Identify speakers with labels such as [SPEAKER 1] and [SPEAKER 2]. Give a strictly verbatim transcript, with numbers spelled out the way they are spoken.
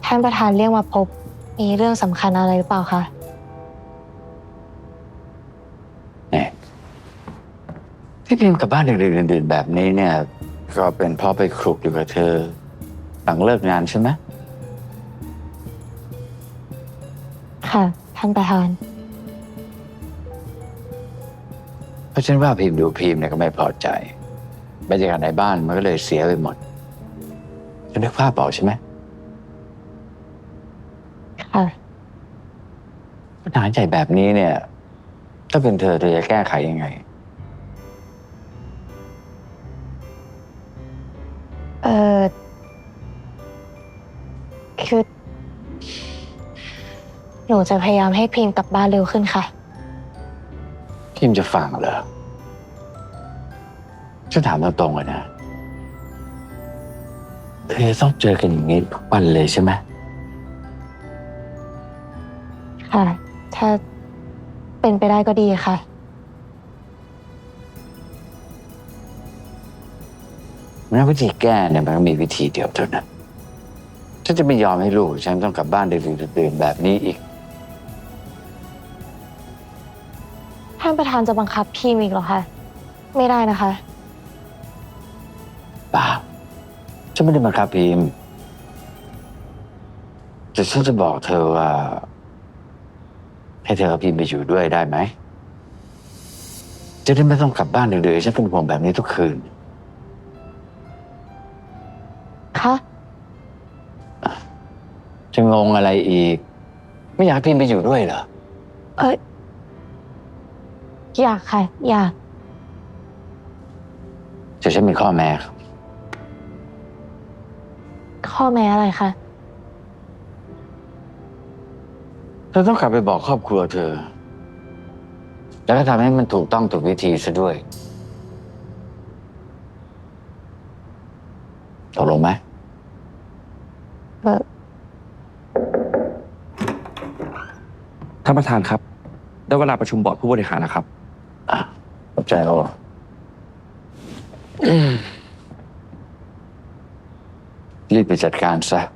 [SPEAKER 1] ท่านประธานเรียกมาพบมีเรื่องสำคัญอะไรหรือเปล่าคะ
[SPEAKER 2] เนี่ยที่พิมพ์กลับบ้านดึกๆดื่นๆแบบนี้เนี่ย ก็เป็นเพราะไปคลุกอยู่กับเธอหลังเลิกงานใช่ไหม
[SPEAKER 1] ค่ะท่านประธาน
[SPEAKER 2] เพราะฉันว่าพิมพ์ดูพิมพ์เนี่ยก็ไม่พอใจบรรยากาศในบ้านมันก็เลยเสียไปหมดฉันนึกภาพบอกใช่ไหม
[SPEAKER 1] ค่ะ
[SPEAKER 2] ปัญหาใหญ่แบบนี้เนี่ย ถ้าเป็นเธอเธอจะแก้ไขยังไง
[SPEAKER 1] เออคือหนูจะพยายามให้พิมพ์กลับบ้านเร็วขึ้นค่ะ
[SPEAKER 2] พิมพ์จะฟังเหรอฉันถามตรงๆเลยนะเธอต้องเจอกันอย่างนี้ทุกวันเลยใช่ไหม
[SPEAKER 1] ค่ะถ้าเป็นไปได้ก็ดีค่ะ
[SPEAKER 2] งั้นวิธีแก้เนี่ยมันก็มีวิธีเดียวเท่านั้นฉันจะไม่ยอมให้ลูกฉันต้องกลับบ้านดึกๆดื่นๆแบบนี้อีก
[SPEAKER 1] ท่านประธานจะบังคับพิมพ์อีกเหรอคะไม่ได้นะคะ
[SPEAKER 2] เปล่าฉันไม่ได้บังคับพิมพ์แต่ฉันจะบอกเธอว่าให้เธอกับพิมพ์ไปอยู่ด้วยได้ไหมจะได้ไม่ต้องกลับบ้านดึกๆฉันเป็นห่วงแบบนี้ทุกคืน
[SPEAKER 1] คะ
[SPEAKER 2] จะงงอะไรอีกไม่อยากให้พิมพ์ไปอยู่ด้วยเหรอ
[SPEAKER 1] เอ้ยอยากค่ะอยาก
[SPEAKER 2] แต่ฉันมีข้อแม้ครับ
[SPEAKER 1] ข้อแม้อะไรคะ
[SPEAKER 2] เธอต้องกลับไปบอกครอบครัวเธอแล้วก็ทำให้มันถูกต้องถูกวิธีซะด้วยตกลงไหม
[SPEAKER 1] เออ
[SPEAKER 3] ท่านประธานครับ ได้เวลาประชุมบอร์ดผู้บริหารแล้วครับ
[SPEAKER 2] อ่ะขอบใจโอ้รีบไปจัดการซะ